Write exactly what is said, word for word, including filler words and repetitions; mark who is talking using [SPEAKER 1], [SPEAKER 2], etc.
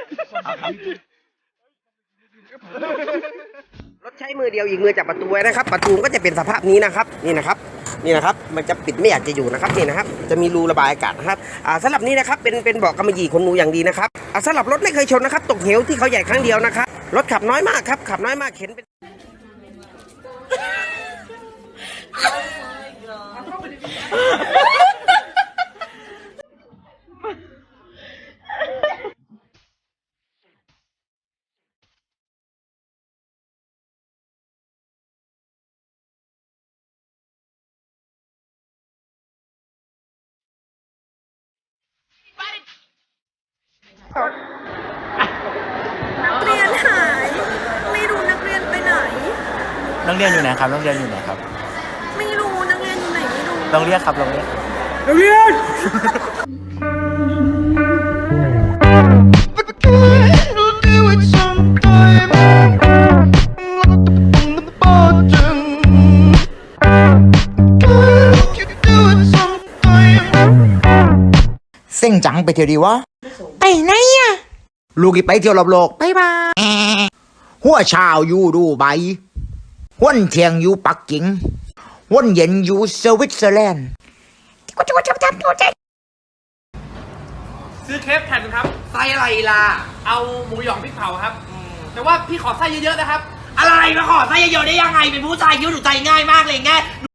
[SPEAKER 1] รถใช้มือเดียวอีกมือจับประตูไว้นะครับประตูก็จะเป็นสภาพนี้นะครับนี่นะครับนี่นะครับมันจะปิดไม่อยากจะอยู่นะครับนี่นะครับจะมีรูระบายอากาศนะครับอ่าสำหรับนี้นะครับเป็นเป็นเบาะกำมะหยี่ขนหนูอย่างดีนะครับอ่าสำหรับรถไม่เคยชนนะครับตกเหวที่เขาใหญ่ครั้งเดียวนะครับรถขับน้อยมากครับขับน้อยมากเข็นเป็น
[SPEAKER 2] นักเรียนหายไม่รู้นักเรียนไปไหน
[SPEAKER 3] นักเรียนอยู่ไหนครับนักเรียนอยู่ไหนครับ
[SPEAKER 2] ไม่รู้นักเรียนอยู่ไหนไม่รู้
[SPEAKER 3] ลองเรียกครับลองเรียก
[SPEAKER 1] นักเรียน
[SPEAKER 4] เส้งจังไปเที่ยวดีวะไปไหนอะลูกอีไปเที่ยวรอบโลกไปบายหัวเช้าอยู่ดูใบหัวเที่ยงอยู่ปักกิ่งหัวเย็นอยู่สวิตเซอร์แลนด์กูจะจะทำตัวใจ
[SPEAKER 5] ซื้อเคฟแผ่นครับไส้อะไรล่ะเอาหมูหยองพริกเผาครับแต่ว่าพี่ขอไส้เยอะๆนะครับอะไรมาขอไส้เยอะๆได้ยังไงเป็นผู้ชายคิดว่าหนูใจง่ายมากเลยไง